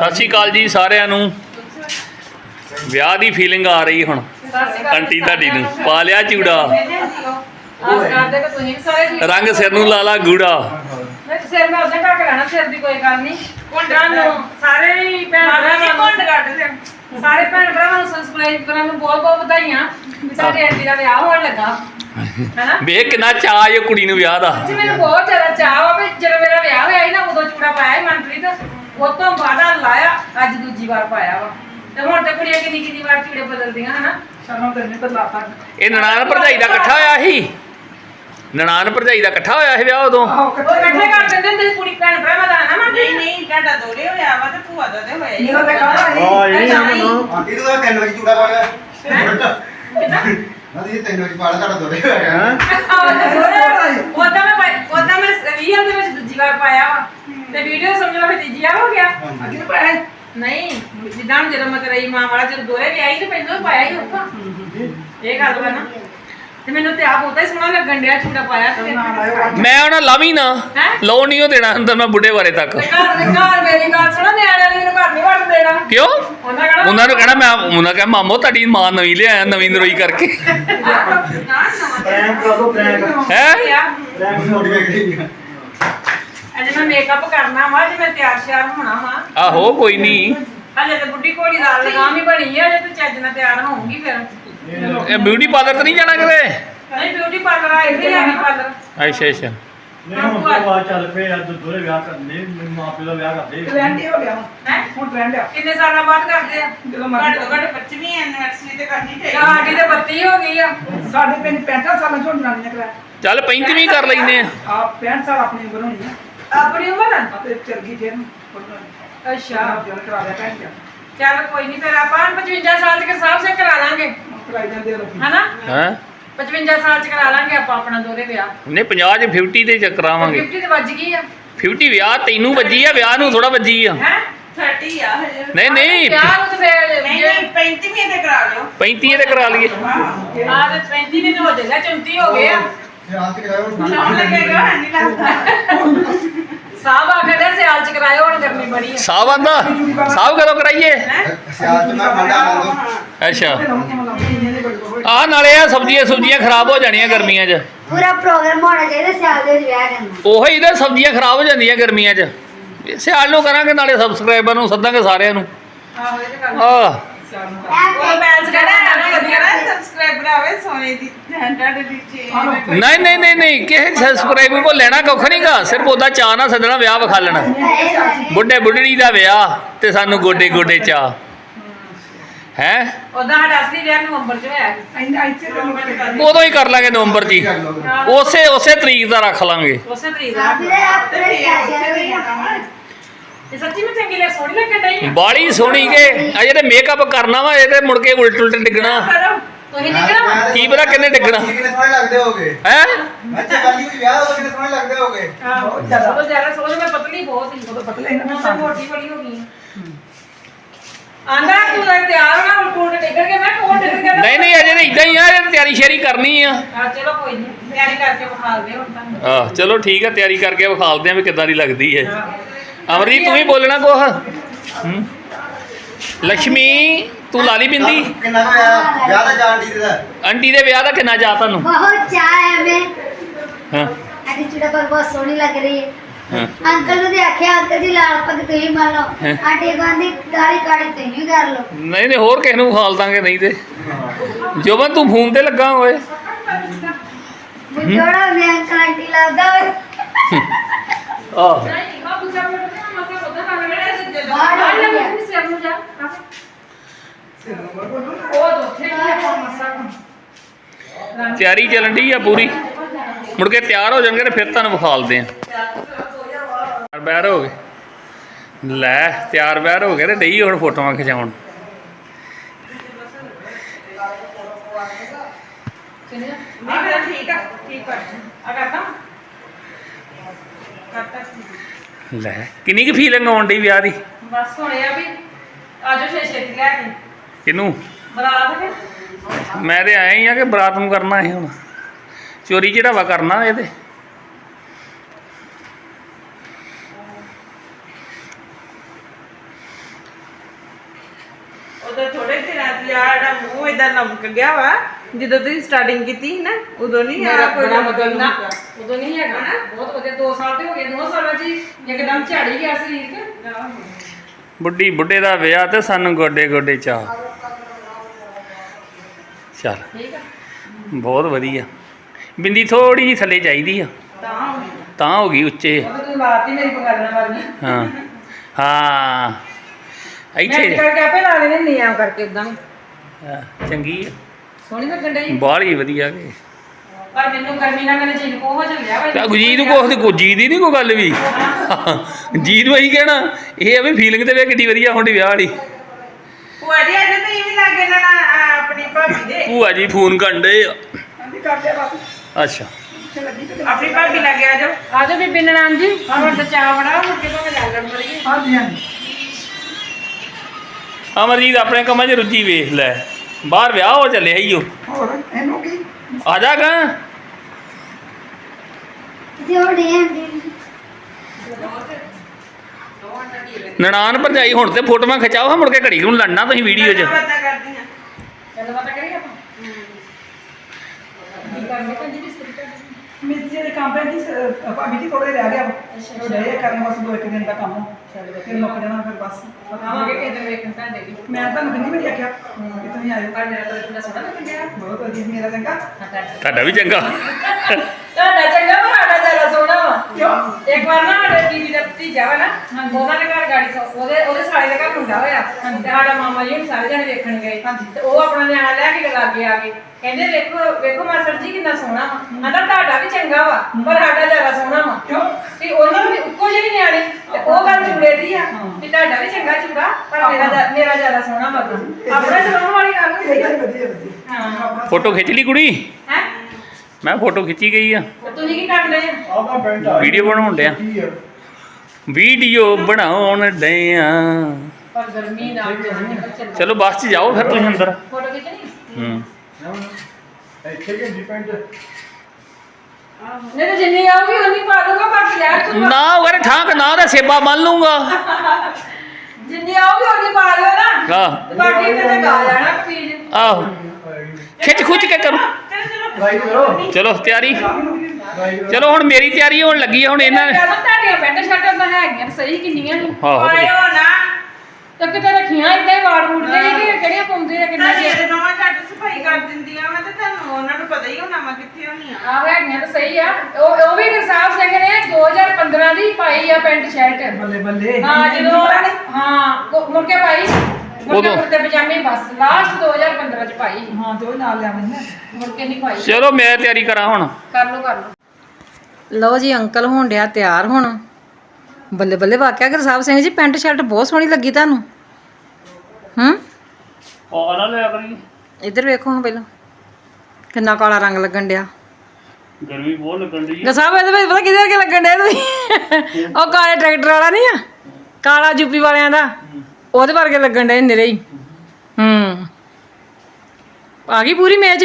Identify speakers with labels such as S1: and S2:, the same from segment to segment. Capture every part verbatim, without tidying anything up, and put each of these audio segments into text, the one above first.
S1: ਸਤਿ ਸ਼੍ਰੀ ਅਕਾਲ ਜੀ ਸਾਰਿਆਂ ਨੂੰ। ਵਿਆਹ ਦੀ ਫੀਲਿੰਗ ਆ ਰਹੀ ਹੁਣ ਆਂਟੀ ਤੁਹਾਡੀ ਨੂੰ। ਪਾ ਲਿਆ ਚੂੜਾ, ਰੰਗ ਸਿਰ ਨੂੰ ਲਾ ਲਾ ਗੂੜਾ।
S2: ਸਿਰ ਮੈਂ ਉਹਦੇ ਢੱਕ ਲੈਣਾ, ਸਿਰ ਦੀ ਕੋਈ ਗੱਲ ਨਹੀਂ। ਤੁਹਾਨੂੰ ਸਾਰੇ ਹੀ ਭੈਣ ਭਰਾਵਾਂ ਨੂੰ ਸਾਰੇ ਭੈਣ ਭਰਾਵਾਂ ਨੂੰ ਸਬਸਕ੍ਰਾਈਬਰਾਂ ਨੂੰ ਬਹੁਤ ਬਹੁਤ ਵਧਾਈਆਂ ਵੀ ਸਾਡੇ ਆਂਟੀ ਦਾ ਵਿਆਹ ਹੋਣ ਲੱਗਾ ਹੈਨਾ।
S1: ਵੇਖ ਕਿੰਨਾ ਚਾਅ ਇਹ ਕੁੜੀ ਨੂੰ ਵਿਆਹ ਦਾ।
S2: ਜੀ ਮੈਨੂੰ ਬਹੁਤ ਜ਼ਿਆਦਾ ਚਾਅ ਵਾ ਵੀ ਜਦੋਂ ਮੇਰਾ ਵਿਆਹ ਹੋਇਆ ਸੀ ਨਾ ਉਦੋਂ ਚੂੜਾ ਪਾਇਆ ਸੀ ਮਨਪ੍ਰੀਤ, ਉਹ ਤੋਂ ਬਾਅਦ ਲਾਇਆ, ਅੱਜ ਦੂਜੀ ਵਾਰ ਪਾਇਆ ਵਾ। ਤੇ ਹੁਣ ਤੇ ਕੁੜੀਆਂ ਕਿੰਨੀ ਕਿੰਨੀ ਵਾਰ ਚੂੜੇ ਬਦਲਦੀਆਂ ਹਨਾ। ਸਾਨੂੰ ਤੇ ਨਹੀਂ ਪਤਾ ਲਾਤਾ।
S1: ਇਹ ਨਨਾਣ ਭਰਜਾਈ ਦਾ ਇਕੱਠਾ ਹੋਇਆ ਸੀ, ਨਨਾਣ ਭਰਜਾਈ ਦਾ ਇਕੱਠਾ ਹੋਇਆ ਸੀ ਵਿਆਹ ਉਦੋਂ।
S2: ਉਹ ਇਕੱਠੇ ਕਰ ਦਿੰਦੇ ਹੁੰਦੇ ਕੁੜੀ ਭੈਣ ਭਰਾਵਾਂ ਦਾ ਨਾ।
S3: ਨਹੀਂ ਨਹੀਂ ਤੁਹਾਡਾ ਦੋਰੇ ਹੋਇਆ ਵਾ ਤੇ ਭੂਆ ਦਾ ਤੇ ਹੋਇਆ ਹੀ।
S2: ਇਹਦਾ ਤੇ ਕਹਾ
S4: ਹਾਂ ਇਹ ਨਹੀਂ ਮਨੋ
S5: ਆਂਟੀ ਨੂੰ ਤਾਂ ਤਿੰਨ ਵਜੇ ਚੂੜਾ ਪਾ ਗਿਆ।
S2: ਕਿਦਾਂ
S5: ਆਂਟੀ ਤਿੰਨ ਵਜੇ ਪਾ ਲਿਆ, ਤੁਹਾਡਾ ਦੋਰੇ ਹੋਇਆ ਗਿਆ।
S2: ਉਹਦਾ ਮੈਂ ਉਹਦਾ ਮੈਂ ਰੀਅਲ ਦੇ ਵਿੱਚ ਦੂਜੀ ਵਾਰ ਪਾਇਆ ਵਾ ਤੇ ਵੀਡੀਓ ਸਮਝੋ ਫਿਰ ਤੀਜੀ ਵਾਰ ਹੋ ਗਿਆ। ਅੱਗੇ ਪਾਇਆ ਨਹੀਂ, ਜਿੱਦਾਂ ਜਦੋਂ ਮੈਂ ਤੇਰੀ ਮਾਂ ਵਾਲਾ ਜਦੋਂ ਦੋਰੇ ਵੀ ਆਈ ਤੇ ਪਹਿਲਾਂ ਪਾਇਆ ਹੀ ਹੋਊਗਾ। ਇਹ ਗੱਲ ਵਾ ਨਾ। ਤੇ ਮੈਨੂੰ ਤੇ ਆਪ ਉਹਦਾ ਹੀ ਸੋਹਣਾ ਲੱਗਣ ਡਿਆ ਚੂੜਾ ਪਾਇਆ ਤੇ
S1: ਮੈਂ ਉਹਨਾਂ ਲਾਵੀ ਨਾ ਲੋ ਨਹੀਂ ਉਹ ਦੇਣਾ ਅੰਦਰ ਮੈਂ ਬੁੱਢੇ ਬਾਰੇ ਤੱਕ।
S2: ਘਰ ਦੇ ਘਰ ਮੇਰੀ ਗੱਲ ਸੁਣੋ, ਨਿਆਣਿਆਂ ਨੇ ਮੈਨੂੰ ਘਰ ਨਹੀਂ ਵੜਨ ਦੇਣਾ।
S1: ਕਿਉਂ?
S2: ਉਹਨਾਂ ਕਹਿਣਾ
S1: ਉਹਨਾਂ ਨੂੰ ਕਹਿਣਾ ਮੈਂ ਉਹਨਾਂ ਕਹਿ ਮਾਮੋ ਤੁਹਾਡੀ ਮਾਂ ਨਵੀਂ ਲਿਆਇਆ, ਨਵੀਂ ਨਰੋਈ ਕਰਕੇ
S4: ਪ੍ਰੈਂਕ ਕਰ ਦੋ ਪ੍ਰੈਂਕ
S1: ਹੈ।
S4: ਪ੍ਰੈਂਕ
S5: ਛੋਟੀ ਵੇਖ ਗਈ।
S2: ਅਜੇ ਮੈਂ ਮੇਕਅਪ ਕਰਨਾ ਵਾ, ਅਜੇ ਮੈਂ ਤਿਆਰ ਸ਼ਿਆਰ ਹੋਣਾ ਵਾ।
S1: ਆਹੋ ਕੋਈ ਨਹੀਂ,
S2: ਹਲੇ ਤੇ ਬੁੱਢੀ ਘੋੜੀ ਦਾ ਲਗਾਮ ਹੀ ਬਣੀ ਹੈ, ਅਜੇ ਤੇ ਚੱਜ ਨਾਲ ਤਿਆਰ ਹੋਊਂਗੀ ਫਿਰ।
S1: ਇਹ ਬਿਊਟੀ ਪਾਰਲਰ ਤੇ ਨਹੀਂ ਜਾਣਾ ਕਿਤੇ?
S2: ਨਹੀਂ ਬਿਊਟੀ ਪਾਰਲਰ ਆ, ਇੱਥੇ ਆ ਪਾਰਲਰ।
S1: ਅੱਛਾ ਅੱਛਾ।
S4: ਨਹੀਂ ਹੁਣ ਤੋਂ ਬਾਅਦ ਚੱਲ ਪਏ ਅੱਜ ਦੋਰੇ ਵਿਆਹ ਕਰਨੇ, ਮਾਂ ਪਿਓ ਦਾ ਵਿਆਹ ਕਰਦੇ।
S6: ਟ੍ਰੈਂਡ ਹੀ ਹੋ ਗਿਆ
S2: ਹੈ
S6: ਹੁਣ ਟ੍ਰੈਂਡ ਆ
S2: ਕਿੰਨੇ ਸਾਲਾਂ ਬਾਅਦ ਕਰਦੇ ਆ?
S6: ਜਦੋਂ
S3: ਘੱਟ ਤੋਂ
S6: ਮਰਜ਼ੀ
S3: ਘੱਟ ਪੱਚਵੀਂ ਐਨੀਵਰਸਰੀ ਤੇ ਕਰਨੀ
S2: ਜਾਂ
S3: ਚਾਹੀਦੀ।
S2: ਸਾਡੀ ਤੇ ਬੱਤੀ ਹੋ ਗਈ ਆ।
S6: ਸਾਡੇ ਪਿੰਡ ਪੈਂਤਾਲੀ ਸਾਲਾਂ ਚੋਂ ਜਨਾਨੀਆਂ ਕਰਾਇਆ
S1: ਚੱਲ ਪੈਂਤੀਵੀਂ ਕਰ ਲੈਨੇ ਆ।
S6: ਆ ਪੈਂਹਠ ਸਾਲ ਆਪਣੀ ਉਮਰ ਹੋਣੀ ਆ
S2: ਆਪਣੀ ਉਮਰ ਆ?
S6: ਅਤੇ ਚੱਲ ਗਈ ਫਿਰ
S2: ਅੱਛਾ
S6: ਜਨ ਕਰਾ ਲਿਆ ਭੈਣ ਜੀ
S2: ਚੱਲ ਕੋਈ ਨਹੀਂ, ਫਿਰ ਆਪਾਂ ਪਚਵੰਜਾ ਸਾਲ ਚ ਸਾਫ ਸੇ ਕਰਾ ਲਾਂਗੇ
S6: ਕਰਾਈ ਜਾਂਦੇ ਆ ਲੋਕੀ
S2: ਹਨਾ।
S1: ਹੈਂ?
S2: ਪਚਵੰਜਾ ਸਾਲ ਚ ਕਰਾ ਲਾਂਗੇ ਆਪਾਂ ਆਪਣਾ ਦੋਰੇ ਵਿਆਹ।
S1: ਨਹੀਂ ਪੰਜਾਹ ਚ ਫਿਫਟੀ ਤੇ ਚੱਕਰਾਵਾਂਗੇ।
S2: ਫਿਫਟੀ ਤੇ ਵੱਜ ਗਈ ਆ।
S1: ਫਿਫਟੀ ਵਿਆਹ ਤੈਨੂੰ ਵੱਜੀ ਆ, ਵਿਆਹ ਨੂੰ ਥੋੜਾ ਵੱਜੀ ਆ।
S2: ਹੈ
S3: ਥਰਟੀ ਆ ਹਜੇ।
S1: ਨਹੀਂ ਨਹੀਂ
S2: ਵਿਆਹ ਨੂੰ ਤੇ ਫਿਰ
S3: ਨਹੀਂ ਨਹੀਂ ਪੈਂਤੀਵੀਂ ਤੇ ਕਰਾ ਲਿਓ।
S1: ਪੈਂਤੀ ਤੇ ਕਰਾ ਲਈਏ।
S2: ਆ ਤੇ ਪੈਂਤੀ ਦਿਨ ਹੋ ਜਾਏਗਾ, ਚੌਂਤੀ ਹੋ ਗਏ ਆ।
S5: ਫਿਰ ਆਂਟੀ ਕਰਾਇਆ
S3: ਸੌਣ ਲੱਗੇਗਾ ਹੈ ਨਹੀਂ ਲੱਗਦਾ।
S2: ਸਾਹਬ ਆ ਕਹਿੰਦੇ ਸਿਆਲ ਚ ਕਰਾਇਓ, ਹੁਣ ਗਰਮੀ ਬੜੀ ਆ।
S1: ਸਾਹ ਆਂਦਾ ਸਾਹ ਕਦੋਂ ਕਰਾਈਏ?
S5: ਸਿਆਲ ਚ ਮੈਂ ਠੰਡਾ ਲਾ ਦੋ।
S1: ਅੱਛਾ ਆ ਨਾਲੇ ਆ ਸਬਜ਼ੀਆਂ ਸੁਬਜ਼ੀਆਂ ਖਰਾਬ ਹੋ ਜਾਣੀਆਂ ਗਰਮੀਆਂ 'ਚ।
S7: ਪੂਰਾ ਪ੍ਰੋਗਰਾਮ ਹੋਣਾ ਚਾਹੀਦਾ ਸਿਆਲ ਦੇ ਵਿੱਚ ਵਿਆਹ ਕਰਨਾ।
S1: ਉਹੀ ਤਾਂ ਸਬਜ਼ੀਆਂ ਖਰਾਬ ਹੋ ਜਾਂਦੀਆਂ ਗਰਮੀਆਂ 'ਚ। ਸਿਆਲ ਨੂੰ ਕਰਾਂਗੇ, ਨਾਲੇ ਸਬਸਕ੍ਰਾਈਬਰ ਨੂੰ ਸੱਦਾਂਗੇ ਸਾਰਿਆਂ ਨੂੰ।
S2: ਆਹੋ ਇਹ ਤੇ ਗੱਲ
S1: ਆਹ
S2: ਉਹ ਬੈਲਸ ਕਿਹੜਾ ਹੈ
S3: ਵਧੀਆ ਨਾ ਸਬਸਕ੍ਰਾਈਬਰ ਆਵੇ ਸੋਨੇ ਦੀ ਤੁਹਾਡੇ ਦੀ ਚੇਨ।
S1: ਨਹੀਂ ਨਹੀਂ ਨਹੀਂ ਨਹੀਂ ਕਿਸੇ ਸਬਸਕ੍ਰਾਈਬਰ ਕੋ ਲੈਣਾ ਕੁੱਖ ਨਹੀਂਗਾ, ਸਿਰਫ ਉਹਦਾ ਚਾਅ ਨਾ ਸੱਦਣਾ, ਵਿਆਹ ਵਿਖਾ ਲੈਣਾ। ਬੁੱਢੇ ਬੁੱਢੜੀ ਦਾ ਵਿਆਹ ਤੇ ਸਾਨੂੰ ਗੋਡੇ ਗੋਡੇ ਚਾਅ ਹੈ।
S2: ਉਹਦਾ ਸਾਡਾ ਅਸਲੀ ਵਿਆਹ ਨਵੰਬਰ ਚ ਹੋਇਆ ਸੀ।
S6: ਇੰਨਾ ਇੱਥੇ ਤੇ
S1: ਉਦੋਂ ਹੀ ਕਰ ਲਾਂਗੇ ਨਵੰਬਰ 'ਚ ਹੀ। ਉਸੇ ਉਸੇ ਤਰੀਕ ਦਾ ਰੱਖ ਲਾਂਗੇ।
S2: ਉਸੇ ਤਰੀਕ ਦਾ।
S7: ਵੀਰੇ ਆਪਣੇ ਪੈਸੇ
S2: ਇਹ ਸੱਚੀ ਮੈਂ ਚੰਗੀ ਲੱਗ ਸੋਹਣੀ ਲੱਗਣ ਡਈ ਆ।
S1: ਬਾੜੀ ਸੋਹਣੀ ਕੇ ਅਜੇ ਤੇ ਮੇਕਅਪ ਕਰਨਾ ਵਾ, ਇਹ ਤੇ ਮੁੜ ਕੇ ਉਲਟ ਉਲਟ ਡਿੱਗਣਾ।
S2: ਤੁਸੀਂ ਨਿਕਲੋ।
S1: ਕੀ ਪਤਾ ਕਿੰਨੇ ਡਿੱਗਣਾ
S5: ਕਿੰਨੇ ਸੋਹਣੇ ਲੱਗਦੇ ਹੋਗੇ।
S1: ਹੈ।
S5: ਅੱਛਾ ਵਾਲੀ ਵੀ ਵਿਆਹ ਹੋ ਕਿੰਨੇ ਸੋਹਣੇ ਲੱਗਦੇ ਹੋਗੇ।
S6: ਬਹੁਤ ਜ਼ਿਆਦਾ
S2: ਉਹ ਜ਼ਿਆਦਾ ਸੋਹਣੀ, ਮੈਂ ਪਤਲੀ ਬਹੁਤ ਸੀ।
S6: ਉਹ ਪਤਲੇ ਇਹਨਾਂ
S2: ਹੁਣ ਤਾਂ ਮੋਟੀ ਬੜੀ ਹੋ ਗਈ ਆ। ਆਂਦਾ ਤੂੰ ਤਾਂ ਤਿਆਰ ਹੋਣਾ, ਉਲਟ ਉਲਟ ਡਿੱਗਣ ਕੇ। ਮੈਂ ਕੋਲ ਡਿੱਗ ਗਿਆ।
S1: ਨਹੀਂ ਨਹੀਂ ਅਜੇ ਤਾਂ ਇਦਾਂ ਹੀ ਆ, ਇਹ ਤਿਆਰੀ ਸ਼ੇਰੀ ਕਰਨੀ ਆ।
S2: ਹਾਂ ਚਲੋ ਕੋਈ ਨਹੀਂ, ਤਿਆਰੀ ਕਰਕੇ ਵਿਖਾ ਦੇ ਹੁਣ ਤੁਹਾਨੂੰ।
S1: ਆਹ ਚਲੋ ਠੀਕ ਆ, ਤਿਆਰੀ ਕਰਕੇ ਵਿਖਾਲਦੇ ਆ ਵੀ ਕਿੱਦਾਂ ਦੀ ਲੱਗਦੀ ਹੈ। ਅਮਰਜੀਤ ਤੂੰ ਵੀ ਬੋਲਣਾ ਕੁਛ। ਹੂੰ ਲక్ష్ਮੀ ਤੂੰ ਲਾ ਲਈ ਬਿੰਦੀ।
S5: ਕਿੰਨਾ ਕੁ ਹੋਇਆ ਵਿਆਹ ਦਾ ਜਾਂ ਆਂਟੀ ਦਾ?
S1: ਆਂਟੀ ਦੇ ਵਿਆਹ ਦਾ ਕਿੰਨਾ ਚਾਅ ਤੁਹਾਨੂੰ?
S7: ਬਹੁਤ ਚਾਹ ਹੈ ਮੈਂ
S1: ਹਾਂ
S7: ਆਂਟੀ ਚੂੜਾ ਪਰ ਬਹੁਤ ਸੋਹਣੀ ਲੱਗ ਰਹੀ ਹੈ।
S1: ਹਾਂ
S7: ਅੰਕਲ ਨੂੰ ਦੇਖਿਆ, ਅੰਕਲ ਜੀ ਲਾਲ ਪੱਗ ਤੁਸੀਂ ਮੰਨ ਲਓ, ਆਂਟੀ ਕਹਿੰਦੀ ਦਾੜੀ ਕਾੜੀ ਤੁਸੀਂ ਕਰ ਲਓ।
S1: ਨਹੀਂ ਨਹੀਂ ਹੋਰ ਕਿਸੇ ਨੂੰ ਵਿਖਾਲ ਦਾਂਗੇ, ਨਹੀਂ ਤੇ ਜੋਬਨ ਤੂੰ ਫੋਨ ਤੇ ਲੱਗਾ ਹੋਏ।
S7: ਮੁੰਡਾ ਵੀ ਅੰਕਲ ਆਂਟੀ ਲੱਗਦਾ ਹੋਵੇ।
S1: ਆਹ
S2: ਨਹੀਂ ਆ ਦੂਜਾ ਮਿੰਟ ਤੇ ਮਸਾ ਉਹਦਾ ਨਾਲ ਮੇਰੇ ਸੇ ਜਦੋਂ
S7: ਬਾਹਰ
S2: ਆ
S7: ਆ
S2: ਲੈ
S7: ਗਿਆ।
S2: ਮੈਂ ਸਿਰ ਨੂੰ ਜਾ ਉਹ ਦੋਥੇ ਹੀ ਆਪਾਂ ਮਸਾ
S1: ਤਿਆਰੀ ਚੱਲਣ ਢੀ ਆ ਪੂਰੀ। ਮੁੜ ਕੇ ਤਿਆਰ ਹੋ ਜਾਣਗੇ ਤੇ ਫਿਰ ਤੁਹਾਨੂੰ ਵਿਖਾਲਦੇ ਆ। ਤਿਆਰ ਬੈਰ ਹੋ ਗਏ, ਲੈ ਤਿਆਰ ਬੈਰ ਹੋ ਗਏ ਤੇ ਡਈ ਹੁਣ ਫੋਟੋਆਂ ਖਿਚਾਉਣ।
S2: ਚਲਿਆ
S3: ਨਹੀਂ ਫਿਰ ਠੀਕ ਆ ਠੀਕ ਕਰ।
S2: ਆ ਕਰਦਾ ਕਰਤਾ।
S1: ਲੈ ਕਿੰਨੀ ਕੁ ਫੀਲਿੰਗ ਆਉਣ ਡਈ ਵਿਆਹ ਦੀ?
S2: ਬਸ ਹੁਣ ਇਹ ਆ ਵੀ ਆਜੋ ਛੇ ਛੇਤੀ ਲੈ ਕੇ
S1: ਕਿਹਨੂੰ?
S2: ਬਰਾਤ ਕੇ।
S1: ਮੈਂ ਤੇ ਆਇਆ ਹੀ ਆ ਕਿ ਬਰਾਤ ਨੂੰ ਕਰਨਾ ਹੈ ਹੁਣ ਚੋਰੀ ਚੜਾਵਾ ਕਰਨਾ ਇਹਦੇ।
S3: ਉਹਦਾ ਥੋੜੇ ਚਿਰਾਂ ਚ ਆ ਜਿਹੜਾ ਮੂੰਹ ਇਦਾਂ ਲਮਕ ਗਿਆ ਵਾ ਜਦੋਂ ਤੁਸੀਂ ਸਟਾਰਟਿੰਗ ਕੀਤੀ ਸੀ ਨਾ ਉਦੋਂ ਨਹੀਂ
S2: ਮੇਰਾ
S3: ਆ ਕੋਈ
S2: ਬੜਾ
S3: ਲਮਕ
S2: ਮਤਲਬ ਨਾ
S3: ਲਮਕ।
S2: ਉਦੋਂ ਨਹੀਂ ਹੈਗਾ ਨਾ ਬਹੁਤ ਵਧੀਆ ਦੋ ਸਾਲ ਤੇ ਹੋ ਗਏ ਦੋ ਸਾਲਾਂ ਚ ਹੀ ਇੱਕਦਮ ਝਾੜੀ ਗਿਆ ਸਰੀਰ ਤੇ
S1: ਬੁੱਢੀ ਬੁੱਢੇ ਦਾ ਵਿਆਹ ਤੇ ਸਾਨੂੰ ਗੋਡੇ ਗੋਡੇ ਚਾਹ। ਚੱਲ
S2: ਠੀਕ ਆ
S1: ਬਹੁਤ ਵਧੀਆ। ਬਿੰਦੀ ਥੋੜੀ ਜਿਹੀ ਥੱਲੇ ਚਾਹੀਦੀ ਆ
S2: ਤਾਂ
S1: ਤਾਂ ਹੋ ਗਈ ਉੱਚੇ।
S2: ਉਹ ਤੂੰ ਲਾਤੀ ਮੇਰੀ ਪਗੜਨਾ ਵਾਲੀ
S1: ਹਾਂ ਹਾਂ
S2: ਮੈਂ
S1: ਇੱਥੇ
S2: ਕਰਕੇ ਆਪੇ ਲਾ ਲੈਣੇ ਨਿਯਮ ਕਰਕੇ ਉਦਾਂ
S1: ਹਾਂ, ਚੰਗੀ ਆ
S2: ਸੋਹਣੀ ਲੱਗਣ ਡਈ
S1: ਬਾਹਲੀ ਵਧੀਆ ਕੇ।
S2: ਪਰ ਮੈਨੂੰ ਗਰਮੀ ਨਾਲ ਮੇਰੇ ਚੀਨ ਕੋ ਹੋ ਚੱਲਿਆ ਵਾ
S1: ਤਾਂ ਗੁਜੀਤ ਨੂੰ ਕੁਛ ਕੋ ਜੀ ਦੀ ਨਹੀਂ ਕੋਈ ਗੱਲ ਵੀ ਜੀ ਨੂੰ ਅਸੀਂ ਕਹਿਣਾ ਇਹ ਆ ਵੀ ਫੀਲਿੰਗ ਤੇ ਵੇ ਕਿੱਡੀ ਵਧੀਆ ਹੁੰਦੀ ਵਿਆਹ ਵਾਲੀ।
S3: ਭੂਆ ਜੀ ਅੱਜ ਤੁਸੀਂ ਵੀ ਲੱਗੇ ਲੈਣਾ ਆਪਣੀ ਭਾਬੀ ਦੇ
S1: ਭੂਆ ਜੀ ਫੋਨ ਕਰਨ ਡੇ ਆ।
S6: ਕਹਿੰਦੀ ਕਰ ਲਿਆ ਬਸ
S1: ਅੱਛਾ
S3: ਆਪਣੀ ਭਾਬੀ ਲੱਗੇ ਆ ਜਾਓ
S2: ਆ ਜਾ ਬੀਬੀ ਨਨਾਣ ਜੀ ਆ ਹੁਣ ਤਾਂ ਚਾਹ ਬੜਾ ਮੁੜ ਕੇ ਭਾਵੇਂ ਲੱਗਣ ਪੜੀਏ
S6: ਹਾਂਜੀ ਹਾਂਜੀ
S1: ਅਮਰਜੀਤ ਆਪਣੇ ਕੰਮਾਂ 'ਚ ਰੁੱਝੀ ਵੇਖ ਲੈ ਬਾਹਰ ਵਿਆਹ ਹੋ ਚੱਲਿਆ ਈ ਓ।
S6: ਹੋਰ ਇਹਨੂੰ ਕੀ
S1: ਆ ਜਾ ਗਾ
S7: ਜੋੜੇ ਆਂਟੀ
S1: ਨਨਾਣ ਭਰਜਾਈ ਹੁਣ ਤੇ ਫੋਟੋਆਂ ਖਿਚਾਓ ਹਾਂ ਮੁੜ ਕੇ ਘੜੀ ਨੂੰ ਲੜਨਾ ਤੁਸੀਂ ਵੀਡੀਓ 'ਚ।
S3: ਪਤਾ ਕਰਦੀਆਂ
S2: ਗੱਲ ਬਾਤ ਕਰੀਏ ਆਪਾਂ ਕੀ ਕਰਨੇ ਪੰਜੀ ਬਿਸਤਰੀ ਕਰ
S6: ਮਿਸਤਰੀ ਦੇ ਕੰਮ ਪੈ ਜੀ ਭਾਬੀ ਜੀ ਥੋੜੇ ਰਹਿ ਗਿਆ ਉਹ ਰਹੇ ਕਰਨ ਬਸ ਦੋ ਇੱਕ ਦਿਨ ਦਾ ਕੰਮ ਫਿਰ ਮੁੱਕ ਜਾਣਾ ਫਿਰ ਬਸ
S2: ਆਵਾਂਗੇ ਕਿ ਤੇ ਵੇਖਣ ਤੁਹਾਡੇ ਵੀ
S6: ਮੈਂ ਤੁਹਾਨੂੰ ਕਿੰਨੀ ਵਾਰੀ ਆਖਿਆ ਕਿ ਤੁਸੀਂ ਆਇਓ
S2: ਪਰ ਮੇਰਾ ਤਾਂ ਕਿੰਨਾ ਸੋਹਣਾ ਲੱਗਣ ਡਿਆ
S6: ਬਹੁਤ ਵਧੀਆ ਮੇਰਾ ਚੰਗਾ
S1: ਤੁਹਾਡਾ ਵੀ ਚੰਗਾ
S2: ਤੁਹਾਡਾ ਚੰਗਾ ਪਰ ਸਾਡਾ ਜ਼ਿਆਦਾ ਸੋਹਣਾ ਵਾ
S6: ਕਿਉਂ
S2: ਇੱਕ ਵਾਰ ਨਾ ਸਾਡੇ ਟੀਵੀ ਦਾ ਭਤੀਜਾ ਵਾ ਨਾ ਉਹਨਾਂ ਦੇ ਘਰ ਗਾੜੀ ਸੌ- ਉਹਦੇ ਉਹਦੇ ਸਾਲੇ ਦੇ ਘਰ ਮੁੰਡਾ ਹੋਇਆ ਤੇ ਸਾਡਾ ਮਾਮਾ ਜੀ ਹੁਣ ਸਾਰੇ ਜਣੇ ਵੇਖਣ ਗਏ ਤੇ ਉਹ ਆਪਣਾ ਨਿਆਣਾ ਲੈ ਕੇ ਲਾਗੇ ਆ ਗਏ ਕਹਿੰਦੇ ਵੇਖੋ ਵੇਖੋ ਮਾਸੜ ਜੀ ਕਿੰਨਾ ਸੋਹਣਾ ਵਾ ਕਹਿੰਦਾ ਤੁਹਾਡਾ ਵੀ ਚੰਗਾ ਵਾ ਪਰ ਸਾਡਾ ਜ਼ਿਆਦਾ ਸੋਹਣਾ ਵਾ
S6: ਕਿਉਂ
S2: ਤੇ ਉਹਨਾਂ ਨੂੰ ਵੀ ਇੱਕੋ ਜਿਹੇ ਨਿਆਣੇ ਤੇ ਉਹ ਗੱਲ ਚੂੜੇ ਦੀ ਆ ਵੀ ਤੁਹਾਡਾ ਵੀ ਚੰਗਾ ਚੂੜਾ ਪਰ ਮੇਰਾ ਜ਼ਿਆ- ਮੇਰਾ ਜ਼ਿਆਦਾ ਸੋਹਣਾ ਵਾ ਆਪਣਾ ਚਲਾਉਣ ਵਾਲੀ ਗੱਲ ਹੁੰਦੀ
S6: ਇਹ
S2: ਹੈ
S6: ਤਾਂ ਵਧੀਆ ਵਧੀਆ
S2: ਹਾਂ
S1: ਫੋਟੋ ਖਿੱਚ ਲਈ ਕੁੜੀ
S2: ਹੈ
S1: ਮੈਂ ਫੋਟੋ ਖਿੱਚੀ ਗਈ ਆ
S2: ਤੁਸੀਂ ਕੀ ਕਰਦੇ ਆ
S4: ਆਪਣਾ ਪੈਂਟ ਆ
S1: ਵੀਡੀਓ ਬਣਾਉਣ ਡਿਆ
S4: ਕੀ ਆ
S1: ਵੀਡੀਓ ਬਣਾਉਣ ਡਿਆ।
S2: ਪਰ ਗਰਮੀ ਨਾਲ ਚੱਲ
S1: ਚਲੋ ਬੱਸ 'ਚ ਜਾਓ ਫਿਰ ਤੁਸੀਂ ਅੰਦਰ।
S2: ਫੋਟੋ ਖਿੱਚਣੀ
S1: ਹੂੰ
S4: ਇੱਥੇ ਕਿ ਡਿਪੈਂਡ
S2: ਨਹੀਂ ਤਾਂ ਜਿੰਨੀ ਆਊਗੀ ਉਨੀ ਪਾ ਦੂੰਗਾ ਬਾਕੀ ਯਾਰ ਤੂੰ
S1: ਨਾ ਅਗਰ ਠਾਕ ਨਾ ਦਾ ਸੇਬਾ ਮੰਨ ਲੂੰਗਾ।
S2: ਜਿੰਨੀ ਆਊਗੀ ਉਨੀ ਪਾ ਲਿਓ ਨਾ
S1: ਆਹ
S2: ਤੇ ਬਾਕੀ ਤੇ ਤਾਂ ਗਾ ਜਾਣਾ ਪੀਜ
S1: ਆਹੋ ਖਿੱਚ ਖੁੱਚ ਕੇ ਕਰੋ।
S4: ਰਾਈਟ ਕਰੋ
S1: ਚਲੋ ਤਿਆਰੀ
S4: ਰਾਈਟ ਕਰੋ
S1: ਚਲੋ ਹੁਣ ਮੇਰੀ ਤਿਆਰੀ ਹੋਣ ਲੱਗੀ ਆ ਹੁਣ ਇਹਨਾਂ ਨੇ
S2: ਕਹਿੰਦਾ ਤੁਹਾਡੀਆਂ ਪੈਂਟ ਸ਼ਰਟਾਂ ਤਾਂ ਹੈਗੀਆਂ ਸਹੀ ਕਿੰਨੀਆਂ ਸੀ
S1: ਆਹੋ
S3: ਪਾਇਓ ਨਾ
S2: ਤਾਂ ਕਿਤੇ ਰੱਖੀਆਂ ਇਦਾਂ ਹੀ ਵਾੜ ਵੂੜ ਕੇ ਕਿ ਕਿਹੜੀਆਂ ਪਾਉਂਦੇ ਆ ਕਿੰਨਾ
S3: ਤੁਹਾਡੇ
S2: ਚਿਰ
S3: ਨਵਾਂ ਝੱਟ ਸਫਾਈ ਕਰ ਦਿੰਦੀਆਂ ਵਾ ਤੇ ਤੁਹਾਨੂੰ ਉਹਨਾਂ ਨੂੰ ਪਤਾ ਹੀ ਹੋਣਾ ਵਾ ਕਿੱਥੇ ਹੋਣੀਆਂ
S2: ਆਹ ਹੈਗੀਆਂ ਤਾਂ ਸਹੀ ਆ ਉਹ ਉਹ ਵੀ ਗੁਰਸਾਹਿਬ ਸਿੰਘ ਨੇ ਦੋ ਹਜ਼ਾਰ ਪੰਦਰਾਂ ਦੀ ਪਾਈ ਆ ਪੈਂਟ ਸ਼ਰਟ
S6: ਬੱਲੇ ਬੱਲੇ
S2: ਹਾਂ ਜਦੋਂ ਹਾਂ ਉਹ ਮੁੜ ਕੇ ਪਾਈ ਮੁੜ ਕੇ
S1: ਉਦੋਂ।
S2: ਕੁੜਤੇ ਪਜਾਮੇ ਬਸ ਲਾਸਟ ਦੋ ਹਜ਼ਾਰ ਪੰਦਰਾਂ ਚ ਪਾਈ
S6: ਹਾਂ ਤੇ ਉਹ ਨਾਲ ਲਿਆਵੇਂ ਨਾ
S2: ਮੁੜ ਕੇ ਨਹੀਂ ਪਾਈ
S1: ਚਲੋ ਮੈਂ ਤਿਆਰੀ ਕਰਾਂ ਹੁਣ।
S2: ਕਰ ਲਓ ਕਰ ਲਓ ਲਓ ਜੀ ਅੰਕਲ ਹੋਣ ਡਿਆ ਤਿਆਰ ਹੁਣ ਬੱਲੇ ਬੱਲੇ ਵਾਕਿਆ ਗੁਰਸਾਹਿਬ ਸਿੰਘ ਜੀ ਪੈਂਟ ਸ਼ਰਟ ਬਹੁਤ ਸੋਹਣੀ ਲੱਗੀ ਤੁਹਾਨੂੰ ਹੂੰ
S1: ਆ ਨਾ ਲਿਆ ਕਰੀ
S2: ਇੱਧਰ ਵੇਖੋ ਹਾਂ ਪਹਿਲਾਂ ਕਿੰਨਾ ਕਾਲਾ ਰੰਗ ਲੱਗਣ ਡਿਆ
S1: ਗਰਮੀ ਬਹੁਤ ਲੱਗਣ ਦੀ
S2: ਗੁਰਸਾਹਿਬ ਇਹਦੇ ਵਿੱਚ ਪਤਾ ਕਿਹਦੇ ਵਰਗੇ ਲੱਗਣ ਡਿਆ ਤੁਸੀਂ ਉਹ ਕਾਲੇ ਟਰੈਕਟਰ ਵਾਲਾ ਨਹੀਂ ਆ ਕਾਲਾ ਯੂਪੀ ਵਾਲਿਆਂ ਦਾ ਉਹਦੇ ਵਰਗੇ ਲੱਗਣ ਡਏ ਨਿਰੇ ਹੀ ਹੂੰ ਆ ਗਈ ਪੂਰੀ ਮੇਜ਼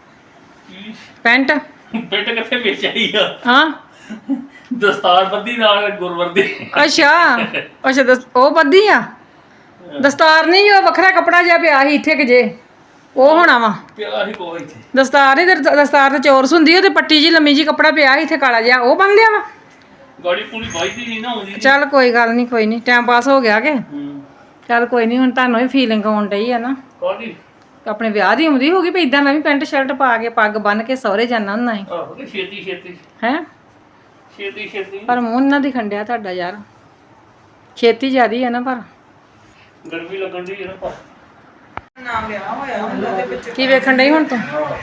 S2: ਪੈਂਟ
S1: ਪਿੰਡ ਕਿੱਥੇ ਵੇਚ ਆਈ ਆ
S2: ਹਾਂ
S1: ਦਸਤਾਰ ਬੱਦੀ ਨਾਲ ਗੁਰਵਰਦੀ
S2: ਅੱਛਾ ਅੱਛਾ ਦਸ ਉਹ ਬੱਦੀ ਆ ਦਸਤਾਰ ਨਹੀਂ ਉਹ ਵੱਖਰਾ ਕੱਪੜਾ ਜਿਹਾ ਪਿਆ ਸੀ ਇੱਥੇ ਕਿ ਜੇ ਉਹ ਹੋਣਾ ਵਾ
S1: ਪਿਆ ਹੀ ਕੋਈ ਇੱਥੇ
S2: ਦਸਤਾਰ ਨਹੀਂ ਦਸਤਾਰ ਤੇ ਚੋਰਸ ਹੁੰਦੀ ਉਹ ਤੇ ਪੱਟੀ ਜੀ ਲੰਮੀ ਜੀ ਕੱਪੜਾ ਪਿਆ ਸੀ ਇੱਥੇ ਕਾਲਾ ਜਿਹਾ ਉਹ ਬੰਨ ਲਿਆ ਵਾ
S1: ਗਾੜੀ ਪੂਰੀ ਵਾਈਦੀ ਨਹੀਂ ਨਾ ਆਉਂਦੀ
S2: ਚੱਲ ਕੋਈ ਗੱਲ ਨਹੀਂ ਕੋਈ ਨਹੀਂ ਟਾਈਮ ਪਾਸ ਹੋ ਗਿਆ ਕਿ
S1: ਹੂੰ
S2: ਚੱਲ ਕੋਈ ਨਹੀਂ ਹੁਣ ਤੁਹਾਨੂੰ ਵੀ ਫੀਲਿੰਗ ਆਉਣ ਡਈ ਆ ਨਾ
S1: ਕਾਦੀ
S2: ਆਪਣੇ ਵਿਆਹ ਦੀ ਆਉਂਦੀ ਹੋਗੀ ਵੀ ਇਦਾਂ ਮੈਂ ਵੀ ਪੈਂਟ ਸ਼ਰਟ ਪਾ ਕੇ ਪੱਗ ਬੰਨ ਕੇ ਸਹੁਰੇ ਜਾਣਾ ਹੁੰਦਾ ਹੈ
S1: ਆਹੋ ਕਿ ਛੇਤੀ ਛੇਤੀ
S2: ਹੈ
S1: ਛੇਤੀ ਛੇਤੀ
S2: ਪਰ ਮੂੰਹ ਨਾ ਦਿਖੰਡਿਆ ਤੁਹਾਡਾ ਯਾਰ ਛੇਤੀ ਜ਼ਿਆਦੀ ਆ ਨਾ ਪਰ
S1: ਗਰਮੀ ਲੱਗਣ ਦੀ ਹੈ ਨਾ ਪਰ
S3: ਨਾ ਵਿਆਹ ਹੋਇਆ ਹੁੰਦਾ ਤੇ ਵਿੱਚ
S2: ਕੀ ਵੇਖਣ ਡਈ ਹੁਣ ਤੂੰ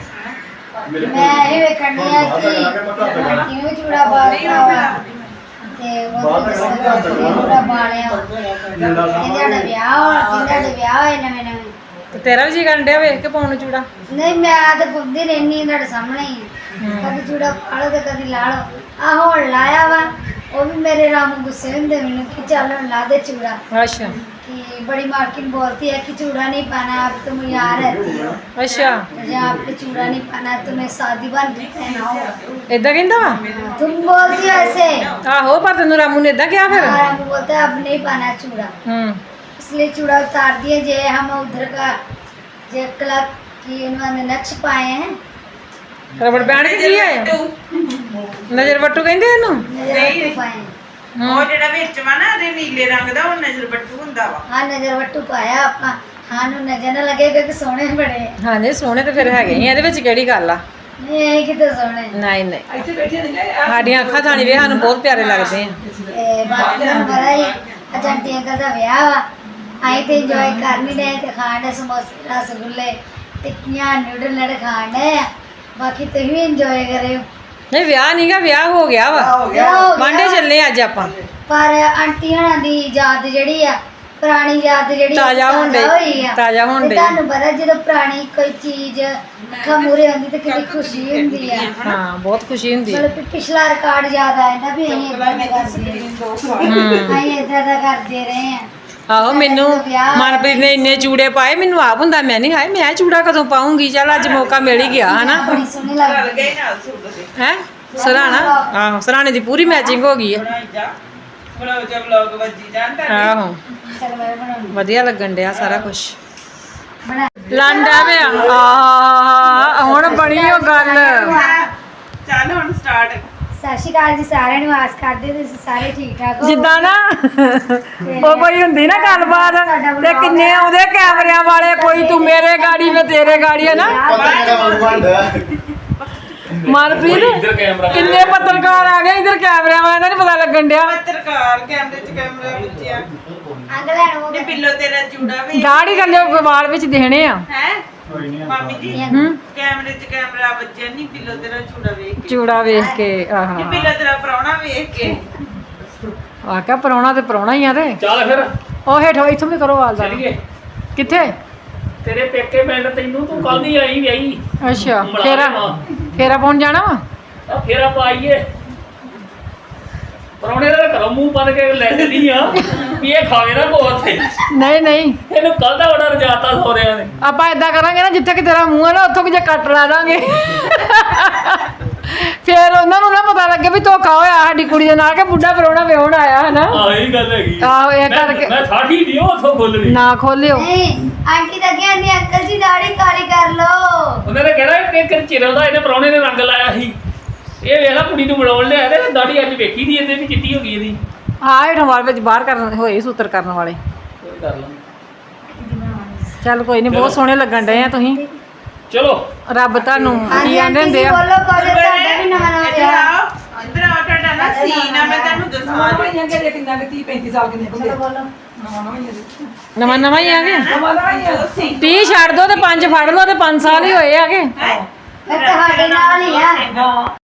S7: ਮੈਂ ਇਹ ਵੇਖਣ ਡਈ ਆ ਕਿ ਕਿਉਂ ਚੂੜਾ ਬਾਲਿਆ ਤੇ ਉਹ ਚੂੜਾ ਬਾਲਿਆ ਇਹਦਾ ਵਿਆਹ ਹੋਇਆ ਕਿੰਨਾ ਦੇ ਵਿਆਹ ਹੋਏ ਨਵੇਂ ਨਵੇਂ
S2: ਤੇ ਤੇਰਾ ਵੀ ਜੀ ਕਰਨ ਡਿਆ ਵੇਖ ਕੇ ਪਾਉਣ ਨੂੰ ਚੂੜਾ
S7: ਨਹੀਂ ਮੈਂ ਤਾਂ ਪੁੱਛਦੀ ਰਹਿਨੀ ਹਾਂ ਤੁਹਾਡੇ ਸਾਹਮਣੇ ਹੀ ਕਦੀ ਚੂੜਾ ਪਾਲੋ ਤੇ ਕਦੀ ਲਾ ਲਓ ਆਹ ਹੁਣ ਲਾਇਆ ਵਾ ਉਹ ਵੀ ਮੇਰੇ ਰਾਮ ਗੁੱਸੇ ਹੁੰਦੇ ਮੈਨੂੰ ਕਿ ਚੱਲ ਹੁਣ ਲਾ ਦੇ ਚੂੜਾ
S2: ਅੱਛਾ
S7: कि बड़ी मार्किन बोलती है कि चूड़ा नहीं पाना अब तुम यहाँ रहती हो
S2: ਅੱਛਾ
S7: जहाँ पे चूड़ा नहीं पाना तुम्हें शादी बन के पहनाओ
S2: ਏਦਾਂ ਕਹਿੰਦਾ ਵਾ
S7: तुम बोलती हो ऐसे
S2: ਆਹੋ ਪਰ ਤੈਨੂੰ ਰਾਮੂ ਨੇ ਏਦਾਂ ਕਿਹਾ ਫਿਰ
S7: और हम बोलते हैं अब नहीं पाना चूड़ा
S2: ਹੂੰ
S7: इसलिए चूड़ा उतार दिए जे हम उधर का जे क्लब की उन्होंने नक्श पाए हैं
S2: ਰਬੜ ਬੈਂਡ ਕੀ ਹੈ ਨਜ਼ਰ ਵੱਟੂ ਕਹਿੰਦੇ ਇਹਨੂੰ
S7: नजर वट्टू पाए हैं
S3: ਉਹ ਜਿਹੜਾ ਵਿੱਚ ਵਾ ਨਾ ਇਹਦੇ ਨੀਲੇ ਰੰਗ ਦਾ ਉਹ ਨਜ਼ਰ ਬੱਟੂ ਹੁੰਦਾ ਵਾ
S7: हाँ नजर वट्टू पाया आपा हाँ नु नजर न लगेगा कि सोने बड़े हैं।
S2: ਹਾਂਜੀ ਸੋਹਣੇ ਤੇ ਫਿਰ ਹੈਗੇ ਹੀ ਆ, ਇਹਦੇ ਵਿੱਚ ਕਿਹੜੀ ਗੱਲ ਆ
S7: नहीं यही कितने सोने
S2: ਨਹੀਂ ਨਹੀਂ
S6: ਇੱਥੇ ਬੈਠੇ ਨੇ
S2: ਸਾਡੀਆਂ ਅੱਖਾਂ ਥਾਣੀ ਵੇ ਸਾਨੂੰ ਬਹੁਤ ਪਿਆਰੇ ਲੱਗਦੇ ਆ
S7: ए, बाकी हम बड़ा ही अजंटी अंकल का ब्याह वा आई ते एंजॉय कर नहीं रहे ते खाने समोसे रसगुल्ले टिक्कियां नूडल नड़ खाने बाकी तुम भी एंजॉय करे
S2: ਨਹੀਂ ਵਿਆਹ ਨਹੀਂਗਾ ਵਿਆਹ ਹੋ ਗਿਆ ਵਾ
S6: ਹੋ ਗਿਆ
S7: हो गया।
S2: ਵਾਂਡੇ ਚੱਲੇ ਅੱਜ ਆਪਾਂ
S7: ਪਰ ਆਂਟੀ ਹਣਾ ਦੀ ਯਾਦ ਜਿਹੜੀ ਆ ਪੁਰਾਣੀ ਯਾਦ ਜਿਹੜੀ ਆ,
S2: ਤਾਜ਼ਾ ਹੋਣ ਡਈ,
S7: ਹੋਈ ਆ।
S2: ਤਾਜ਼ਾ ਹੋਣ
S7: ਤੇ
S2: ਡਈ।
S7: ਤੁਹਾਨੂੰ ਪਤਾ ਜਦੋਂ ਪੁਰਾਣੀ ਕੋਈ ਚੀਜ਼ ਅੱਖਾਂ ਮੂਹਰੇ ਆਉਂਦੀ ਤੇ ਕਿੰਨੀ ਖੁਸ਼ੀ ਹੁੰਦੀ ਆ
S2: ਹਾਂ ਬਹੁਤ ਖੁਸ਼ੀ ਹੁੰਦੀ ਹੈ
S7: ਮਤਲਬ ਕਿ ਪਿਛਲਾ ਰਿਕਾਰਡ ਯਾਦ ਆ ਜਾਂਦਾ ਵੀ ਅਸੀਂ ਇਦਾਂ ਦਾ ਕਰਦੇ ਰਹੇ ਅਸੀਂ ਇਦਾਂ ਦਾ ਕਰਦੇ ਰਹੇ ਆ
S2: ਆਹੋ ਮੈਨੂੰ ਮਨਪ੍ਰੀਤ ਨੇ ਇੰਨੇ ਚੂੜੇ ਪਾਏ ਮੈਨੂੰ ਆਪ ਹੁੰਦਾ ਮੈਂ ਨਹੀਂ ਹਾਏ ਮੈਂ ਚੂੜਾ ਕਦੋਂ ਪਾਉਂਗੀ ਚੱਲ ਅੱਜ ਮੌਕਾ ਮਿਲ ਹੀ ਗਿਆ ਹਨਾ
S7: ਬੜੀ ਸੋਹਣੀ
S3: ਰਲ
S7: ਲੱਗਦੀ
S3: ਗਏ ਨਾਲ ਸੂਟ ਦੇ
S2: ਹੈ ਸਰਾਣਾ ਆਹੋ ਸਰਾਣੇ ਦੀ ਪੂਰੀ ਮੈਚਿੰਗ ਹੋ ਗਈ ਹੈ
S3: ਬਣਾਈ ਜਾ ਬਲੌਗ ਜਬ ਬਲੌਗ ਵੱਜੀ ਜਾਣ ਤਾਂ
S2: ਆਹੋ
S7: ਚਲ ਮੈਂ ਬਣਾਉਣੀ
S2: ਵਧੀਆ ਲੱਗਣ ਡਿਆ ਸਾਰਾ ਕੁਝ
S7: ਬਣਾ
S2: ਲਾਂਡਾ ਵੇ ਆ ਹੁਣ ਬਣੀ ਉਹ ਗੱਲ
S3: ਚੱਲ ਹੁਣ ਸਟਾਰਟ
S7: ਸਤਿ ਸ਼੍ਰੀ ਅਕਾਲ ਜੀ ਸਾਰਿਆਂ ਨੂੰ ਆਸ ਕਰਦੇ ਤੁਸੀਂ ਸਾਰੇ ਠੀਕ ਠਾਕ ਹੋ
S2: ਜਿੱਦਾਂ ਨਾ ਉਹ ਕੋਈ ਹੁੰਦੀ ਨਾ ਗੱਲਬਾਤ ਤੇ ਕਿੰਨੇ ਆਉਂਦੇ ਕੈਮਰਿਆਂ ਵਾਲੇ ਕੋਈ ਤੂੰ ਮੇਰੇ ਗਾੜੀ ਮੈਂ ਤੇਰੇ ਗਾੜੀ ਹੈ ਨਾ
S5: ਪਤਾ ਕਿਹੜਾ ਮਨ ਬਣਦਾ
S2: ਮਨਪ੍ਰੀਤ ਕਿੰਨੇ ਪੱਤਰਕਾਰ ਆ ਗਏ ਇਧਰ ਕੈਮਰਿਆਂ ਵਾਲਿਆਂ ਦਾ ਨਹੀਂ ਪਤਾ ਲੱਗਣ ਡਿਆ
S3: ਪੱਤਰਕਾਰ ਕੈਮਰੇ 'ਚ ਕੈਮਰਾ ਵਿੱਚ ਆ
S7: ਅੰਗ ਲੈਣ ਉਹ
S3: ਨੇ ਪਿੱਲੋ ਤੇਰਾ ਚੂੜਾ ਵੀ
S2: ਦਾੜੀ ਥੱਲੇ ਵਾਲ ਵਿੱਚ ਦੇਣੇ ਆ
S3: ਹੈ
S4: ਕੋਈ ਨਹੀਂ
S3: ਮਾਮੀ ਜੀ
S2: ਹੂੰ
S3: ਕੈਮਰੇ 'ਚ ਕੈਮਰਾ ਵੱਜਿਆ ਨਹੀਂ ਪਿੱਲੋ ਤੇਰਾ ਚੂੜਾ ਵੇਖ ਕੇ
S2: ਚੂੜਾ ਵੇਖ ਕੇ ਆਹਾ
S3: ਇਹ ਪਿੱਲੋ ਤੇਰਾ ਪ੍ਰਾਹੁਣਾ ਵੇਖ ਕੇ
S2: ਆਕਾ ਪਰੌਣਾ ਤੇ ਪਰੌਣਾ ਹੀ ਆ ਤੇ
S1: ਚੱਲ ਫਿਰ
S2: ਉਹ ਹੇਠੋਂ ਇੱਥੋਂ ਵੀ ਕਰੋ ਵਾਲ ਦਾ
S1: ਚੱਲੀਏ
S2: ਕਿੱਥੇ
S1: ਤੇਰੇ ਪੇਕੇ ਪਿੰਡ ਤੈਨੂੰ ਤੂੰ ਕੱਲ ਦੀ ਆਈ ਵਿਆਹੀ
S2: ਅੱਛਾ
S1: ਬੁਲਾ
S2: ਫੇਰਾ
S1: ਲਿਆਵਾਂ।
S2: ਫੇਰਾ ਪਾਉਣ ਜਾਣਾ ਵਾ
S1: ਆ ਫੇਰਾ ਪਾਈਏ ਪਰੌਣੇ ਦਾ ਘਰੋਂ ਮੂੰਹ ਬੰਨ ਕੇ ਲੈ ਚੱਲੀ ਆ ਵੀ ਇਹ ਖਾਵੇ ਨਾ ਕੋ ਉੱਥੇ
S2: ਨਹੀਂ ਨਹੀਂ
S1: ਇਹਨੂੰ ਕੱਲ ਦਾ ਆਰਡਰ ਜਾਤਾ ਸੋਰਿਆਂ ਨੇ
S2: ਆਪਾਂ ਇਦਾਂ ਕਰਾਂਗੇ ਨਾ ਜਿੱਥੇ ਕਿ ਤੇਰਾ ਮੂੰਹ ਹੈ ਨਾ ਉੱਥੋਂ ਕਿ ਜੇ ਕੱਟ ਲਾ ਦਾਂਗੇ ਫੇਰ ਉਹਨਾਂ ਨੂੰ ਨਾ ਪਤਾ ਲੱਗੇ ਵੀ ਧੋਖਾ ਹੋਇਆ ਸਾਡੀ ਕੁੜੀ ਦੇ ਨਾਲ ਕਿ ਬੁੱਢਾ ਪਰੌਣਾ ਵਿਆਹਣ ਆਇਆ ਹੈ ਨਾ
S1: ਆਹ ਇਹ ਗੱਲ ਹੈਗੀ ਆ।
S2: ਆਹੋ, ਇਹ
S1: ਮੈਂ-
S2: ਕਰਕੇ-
S1: ਮੈਂ ਠਾਠੀ ਨਹੀਂ ਉੱਥੋਂ ਖੋਲਣੀ
S2: ਨਾ ਖੋਲਿਓ
S7: ਨਹੀਂ ਆਂਟੀ ਤਾਂ ਕਹਿੰਦੀ ਅੰਕਲ ਜੀ ਦਾੜੀ ਕਾਲੀ ਕਰ ਲੋ
S1: ਉਹਨਾਂ ਨੇ ਕਿਹਾ ਕਿ ਕਿ ਚਿਰਾਂ ਦਾ ਇਹਨੇ ਪਰੌਣੇ ਨੇ ਰੰਗ ਲਾਇਆ ਸੀ ਇਹ ਵੇਖ ਲੈ ਕੁੜੀ ਨੂੰ ਬਣਾਉਣ ਲਿਆ ਤੇ ਦਾੜੀ ਅੱਜ ਵੇਖੀ ਦੀ ਇਹਦੇ ਵੀ ਚਿੱਟੀ ਹੋ ਗਈ ਇਹਦੀ
S2: ਹਾਂ ਹੇਠੋਂ ਵਾਲ ਵਿੱਚ ਬਾਹਰ ਕਰਨ ਹੋਏ ਸੂਤਰ ਕਰਨ ਵਾਲੇ
S1: ਕੋਈ ਕਰ ਲਾਂਗੇ
S2: ਚੱਲ ਕੋਈ ਨਹੀਂ ਬਹੁਤ ਸੋਹਣੇ ਲੱਗਣ ਡਏ ਆ ਤੁਸੀਂ
S1: ਚਲੋ
S2: ਰੱਬ ਤੁਹਾਨੂੰ ਕੀ
S7: ਹਾਂਜੀ
S2: ਆਂਦੇ
S7: ਆਂਟੀ
S2: ਹੁੰਦੇ
S7: ਜੀ
S2: ਆ
S7: ਬੋਲੋ ਕੋਲੇ ਤੁਹਾਡਾ ਵੀ ਨਵਾਂ ਨਵਾਂ
S3: ਇੱਧਰ
S7: ਵਿਆਹ
S3: ਆਓ ਇੱਧਰ ਆਓ ਤੁਹਾਡਾ ਨਾ ਸੀਨ ਆ ਮੈਂ ਤੁਹਾਨੂੰ ਦੱਸਣਾ
S6: ਨਵਾਂ ਹੀ ਆ ਕਿ ਕਿੰਨਾ ਕਿ ਤੀਹ ਪੈਂਤੀ ਸਾਲ ਕਿੰਨੇ ਹੁੰਦੇ
S7: ਚਲੋ ਬੋਲੋ
S6: ਨਵਾਂ ਨਵਾਂ ਹੀ ਆ
S2: ਨਵਾਂ ਨਵਾਂ ਹੀ ਆ ਗਏ
S6: ਨਵਾਂ ਨਵਾਂ ਹੀ ਆ
S2: ਤੀਹ ਛੱਡ ਦੋ ਤੇ ਪੰਜ ਫੜ ਲਓ ਤੇ ਪੰਜ ਸਾਲ ਹੀ ਹੋਏ ਆਗੇ
S7: ਮੈਂ ਤੁਹਾਡੇ ਨਾਲ ਹੀ ਆ
S6: ਹਾਂ